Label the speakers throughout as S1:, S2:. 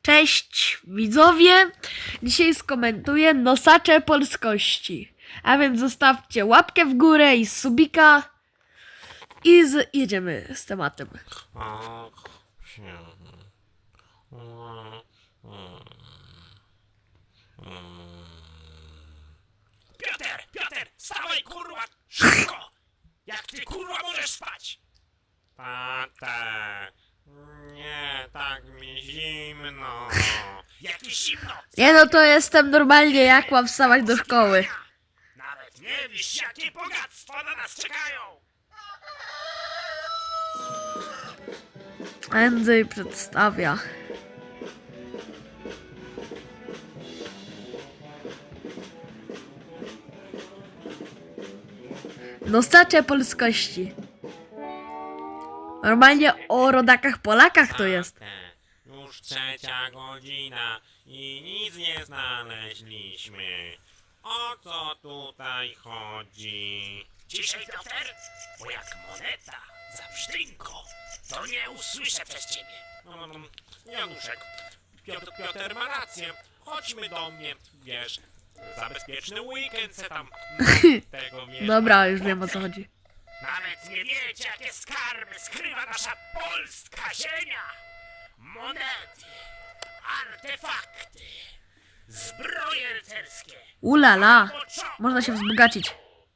S1: Cześć widzowie! Dzisiaj skomentuję nosacze polskości. A więc zostawcie łapkę w górę i subika. I jedziemy z tematem.
S2: Piotr, wstawaj kurwa, szybko! Jak ty kurwa możesz spać?
S3: Tata, nie, tak mi zimno.
S2: Jakieś zimno!
S1: Nie no, to jestem normalnie, jak mam wstawać do szkoły.
S2: Nawet nie wiesz, jakie bogactwa na nas czekają!
S1: Andrzej przedstawia. Nosacze polskości. Normalnie o rodakach Polakach to jest.
S3: Tata, już 3:00 i nic nie znaleźliśmy. O co tutaj chodzi?
S2: Ciszej, Piotr, bo jak moneta za psztynko, to nie usłyszę przez ciebie.
S3: Januszek, Piotr ma rację. Chodźmy do mnie, wiesz, za bezpieczny weekend se tam tego wiesz.
S1: Dobra, już wiem o co chodzi.
S2: Nawet nie wiecie, jakie skarby skrywa nasza polska ziemia! Monety, artefakty, zbroje rycerskie.
S1: Ulala, można się wzbogacić.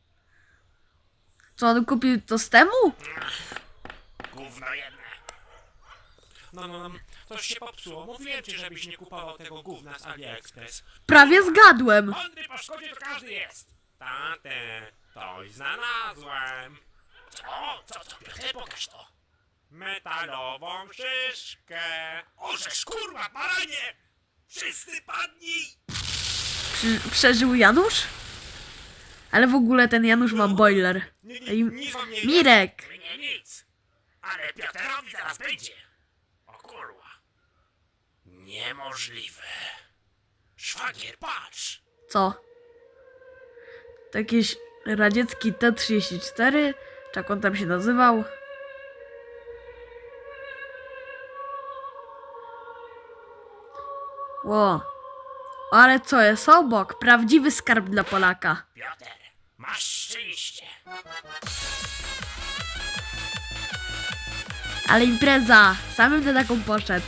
S1: Co, on kupił to z temu?
S2: Gówno jedne.
S3: To się popsuło. Mówiłem ci, żebyś nie kupował tego gówna z AliExpress.
S1: Prawie zgadłem.
S2: Mądry po szkodzie to każdy jest.
S3: Tatę, coś znalazłem.
S2: Co, Piotr, pokaż to.
S3: Metalową szyszkę.
S2: Orzesz, kurwa, baranie! Wszyscy padnij!
S1: Przeżył Janusz? Ale w ogóle ten Janusz ma boiler. Ej,
S3: Nic wam nie
S1: Mirek!
S2: Mnie nic. Ale Piotrowi zaraz będzie. O kurwa. Niemożliwe. Szwagier, patrz.
S1: Co? To jakiś radziecki T-34? Czy jak on tam się nazywał? Ło. Ale co jest obok? Prawdziwy skarb dla Polaka.
S2: Piotr, masz szczęście.
S1: Ale impreza! Samym na taką poszedł.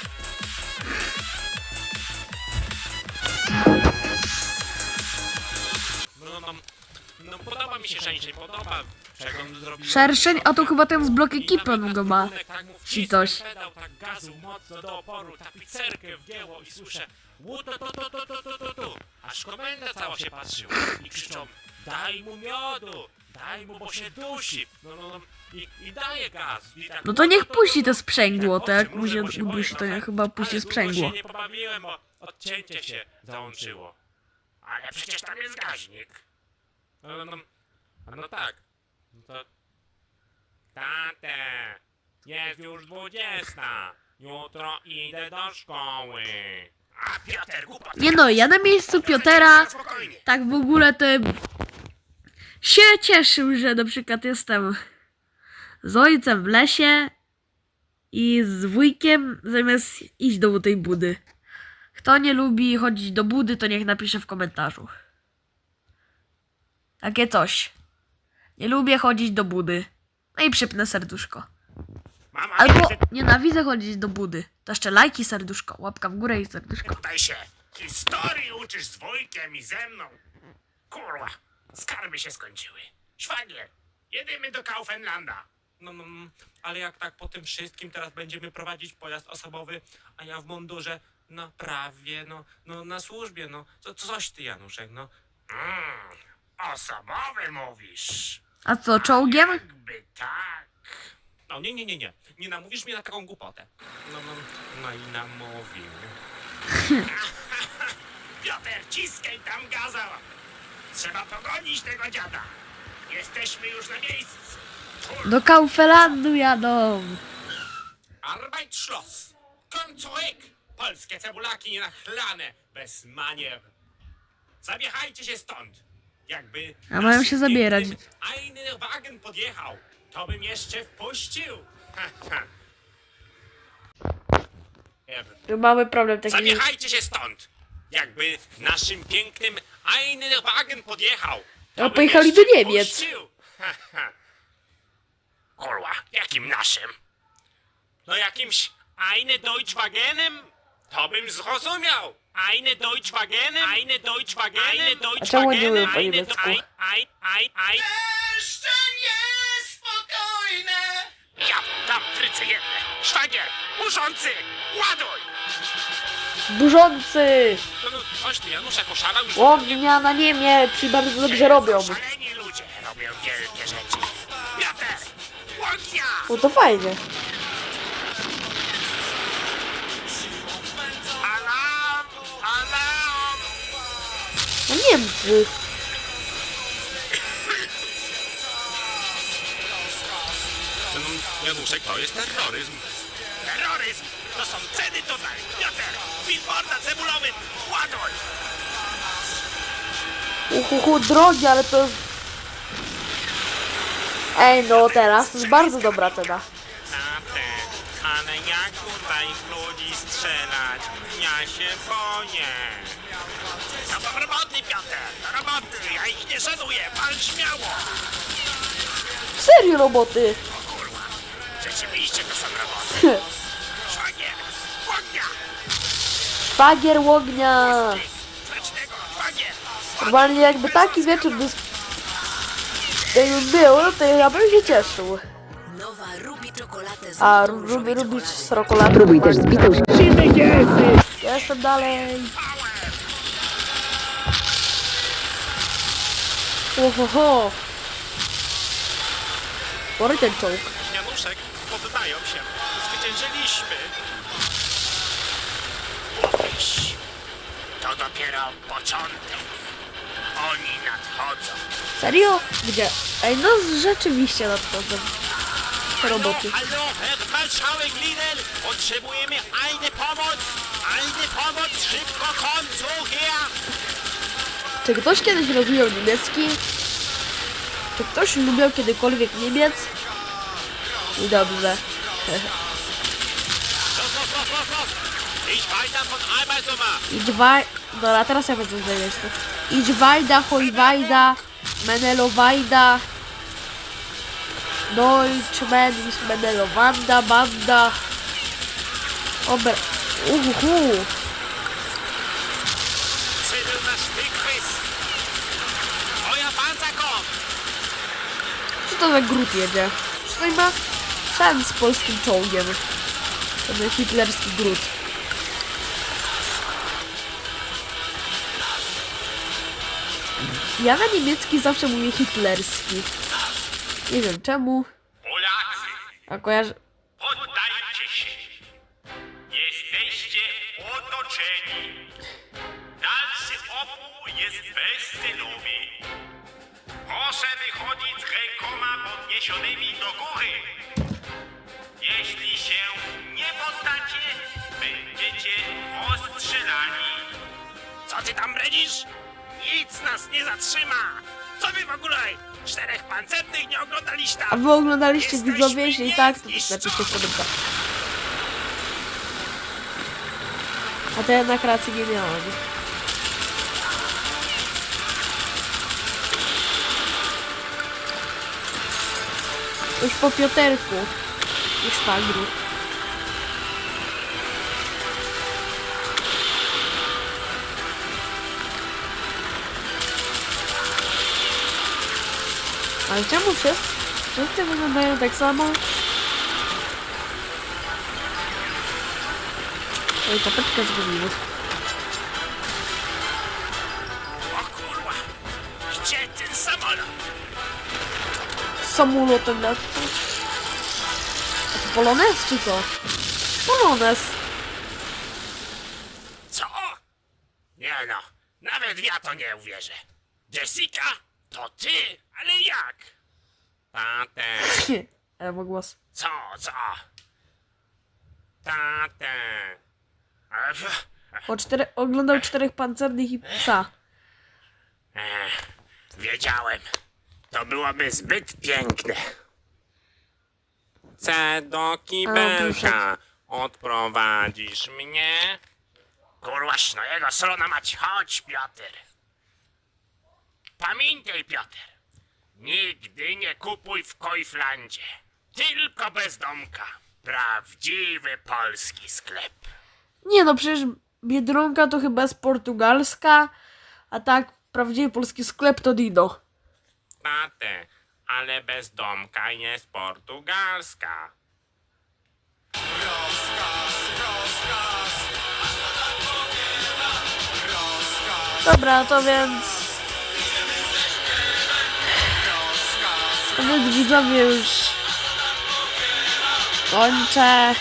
S3: Podoba mi się szerszeń, podoba. Czego on zrobił?
S1: Szerszeń? A to chyba ten z blok
S3: I
S1: ekipy
S3: nawet
S1: on
S3: na
S1: go ma.
S3: stosunek, tak mu
S1: Czy
S3: wcisnę
S1: coś.
S3: pedał, tak gazu mocno do oporu, tapicerkę wgięło i słyszę tu. Aż komenda cała się patrzyła i krzyczą: daj mu miodu, daj mu, bo się dusi. I daje gaz. I tak,
S1: No to niech puści to sprzęgło, to jak mu się udusi, to niech chyba puści
S3: ale
S1: sprzęgło.
S3: długo się nie pobawiłem, bo odcięcie się załączyło.
S2: Ale przecież tam jest gaźnik.
S3: No tak. No to... Tatę, jest już 20. Jutro idę do szkoły.
S2: A Piotr, głupot.
S1: Nie no, ja na miejscu Piotera
S2: Spokojnie.
S1: tak w ogóle to się cieszył, że na przykład jestem z ojcem w lesie i z wujkiem zamiast iść do tej budy. Kto nie lubi chodzić do budy, to niech napisze w komentarzu. Takie coś. Nie lubię chodzić do budy. No i przypnę serduszko.
S2: Mama,
S1: Albo nienawidzę chodzić do budy. To jeszcze lajki, serduszko, łapka w górę i serduszko.
S2: tutaj się historii uczysz z wujkiem i ze mną. Kurwa, skarby się skończyły. Szwagier, jedziemy do Kaufenlanda.
S3: Ale jak tak po tym wszystkim teraz będziemy prowadzić pojazd osobowy, a ja w mundurze, prawie, na służbie, coś ty, Januszek,
S2: Osobowy mówisz.
S1: A co, czołgiem?
S2: Jakby tak.
S3: Nie namówisz mnie na taką głupotę. I namówił.
S2: Piotr, ciskaj tam gaza. Trzeba pogonić tego dziada. Jesteśmy już na miejscu.
S1: Do Kauflandu jadą.
S3: Arbeit Schloss. Komm zurück. Polskie cebulaki nachlane, bez manier. Zabiechajcie się stąd. Jakby...
S1: A mają się zabierać.
S3: Einen Wagen podjechał, to bym jeszcze wpuścił.
S1: Mamy problem taki.
S3: Zawiechajcie się stąd! Jakby naszym pięknym Einwagen podjechał. to
S1: A
S3: bym
S1: pojechali
S3: jeszcze
S1: do Niemiec.
S3: puścił.
S2: Kurwa, jakim naszym?
S3: No jakimś Eine Deutschwagenem? To bym zrozumiał. Eine Deutschwagenem? Eine Deutschwagenem? Eine
S1: A czemu nie mówią po
S3: Eine
S1: niemiecku?
S3: Jeszcze niespokojne!
S2: Ja tam trycy jedne. Szwagier, burzący, ładuj!
S1: Burzący!
S3: No, chodź tu, Januszek oszalał już.
S1: Ognia na Niemiec i bardzo dobrze robią.
S2: Szaleni ludzie robią wielkie rzeczy. Piotr, ognia!
S1: No to fajnie.
S2: Alarm! Alarm!
S1: No Niemcy.
S3: Januszek, to jest terroryzm.
S2: Terroryzm! To są ceny tutaj! Piotr, billboarda cebulowy, ładuj!
S1: Drogi, ale to jest... Ej, no teraz to jest bardzo dobra cena.
S3: Ale jak tutaj w ludzi strzelać? Ja się boję.
S2: To są roboty, Piotr! To roboty! Ja ich nie szanuję! Pal śmiało!
S1: Serio roboty.
S2: Kurwa! Rzeczywiście to są roboty! Szwagier! Ognia!
S1: Szwagier ognia.
S2: Smacznego! Szwagier!
S1: Normalnie jakby taki wieczór jakby był, to ja bym się cieszył.
S4: Nowa Ruby czekoladę z
S1: A
S4: nutą
S1: lubię
S4: różowicową.
S1: robić srokolatę.
S5: Próbuj też z bitą
S1: Jestem dalej. Ohoho. Spory ten czołg.
S3: Januszek, poddają się. Zwyciężyliśmy.
S2: To dopiero początek. Oni nadchodzą.
S1: Serio? Gdzie? Ej, no rzeczywiście nadchodzą. Te roboty.
S3: Hallo, Herr Marszałek Lidl, potrzebujemy eine pomoc. Eine pomoc, szybko komm zu her.
S1: Czy ktoś kiedyś rozumiał niemiecki? Czy ktoś lubił kiedykolwiek Niemiec? I dobrze.
S3: Los, los, los, los, los. Ich weiter von Arbeitsummer.
S1: Idź waj... Dobra, teraz ja będę z niemiecku. Idź wajda, hoj wajda, menelo wajda. Deutschman ist menelo wanda, banda. Ober... Uhuhu.
S3: Zydyl na Stückris. Euer Panzer kommt.
S1: Co to za gród jedzie? Czy to ma sens z polskim czołgiem? Ten hitlerski gród. Ja na niemiecki zawsze mówię hitlerski. Nie wiem czemu.
S3: Polacy,
S1: A kojarzę...
S3: poddajcie się. Jesteście otoczeni. Dalszy opór jest bezcelowy. Proszę wychodzić z rękoma podniesionymi do góry. Jeśli się nie poddacie, będziecie rozstrzelani.
S2: Co ty tam bredzisz? Nic nas nie zatrzyma! Co wy w ogóle? 4 pancernych nie oglądaliście
S1: A
S2: tam?
S1: wy oglądaliście
S2: Jesteśmy
S1: widzowie? Jeśli tak, to też
S2: niezniszczone.
S1: napiszcie w komentarzach. A to jednak racji nie miałam. Już po Pioterku. Już szwagru. Ale czemu wszyscy wyglądają tak samo? Oj, tapetkę zgubiłem.
S2: O kurwa! Gdzie ten samolot?
S1: Samolotem lecą. A to Polonez czy co? Polonez.
S2: Co? Nie no, nawet ja to nie uwierzę. Jessica? To ty? Ale jak?
S3: Tatę,
S1: Ale ma głos.
S2: Co?
S3: tatę.
S1: Oglądał 4 pancernych i psa.
S2: Wiedziałem. To byłoby zbyt piękne.
S3: C do
S1: A,
S3: kibelka. Odprowadzisz mnie?
S2: Kurwa, no jego srona mać, chodź, Piotr. Pamiętaj, Piotr, nigdy nie kupuj w Koiflandzie. Tylko bezdomka. Prawdziwy polski sklep.
S1: Nie no, przecież Biedronka to chyba jest portugalska, a tak prawdziwy polski sklep to Dido.
S3: Tatę, ale bezdomka jest portugalska.
S1: Dobra, to więc... widzowie już kończę.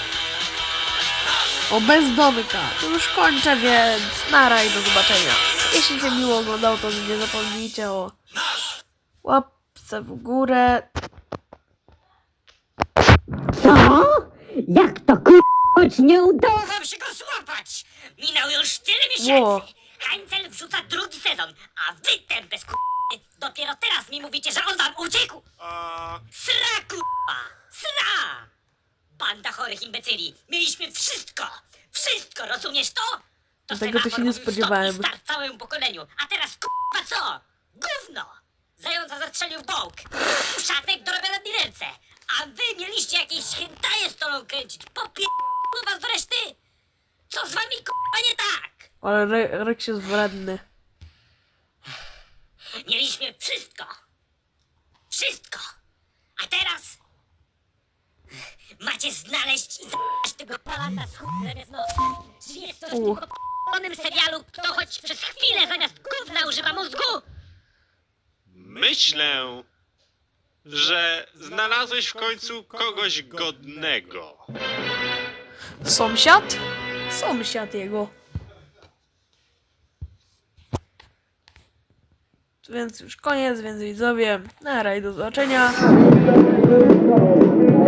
S1: O, bezdomka. To już kończę, więc nara i do zobaczenia. Jeśli się miło oglądało, to nie zapomnijcie o łapce w górę.
S5: Co? Jak to choć nie udało?
S6: Wam się go złapać! Minął już tyle
S1: Ło.
S6: miesięcy! Hańcel wrzuca drugi sezon, a wy ten bez dopiero teraz mi mówicie, że on wam uciekł! Sra k***a! Sra! Banda chorych imbecyli! Mieliśmy wszystko! Wszystko, rozumiesz to? To
S1: Tego to się
S6: semafor
S1: nie
S6: mówił
S1: spodziewałem.
S6: stop i start całemu pokoleniu, a teraz k***a co? Gówno! Zająca zastrzelił bąk! Szatek do na dilerce! A wy mieliście jakieś hentaje stolą kręcić! Was do reszty! Co z wami k***a nie tak?
S1: Ale Rex jest wredny.
S6: Mieliśmy wszystko! Wszystko! A teraz macie znaleźć i zabrać tego palanta z chuj zamiast nosa. Czy jest coś w tym k***onym serialu, kto choć przez chwilę zamiast gówna używa mózgu?
S3: Myślę, że znalazłeś w końcu kogoś godnego.
S1: Sąsiad? Sąsiad jego. Więc już koniec, więc widzowie, nara i do zobaczenia.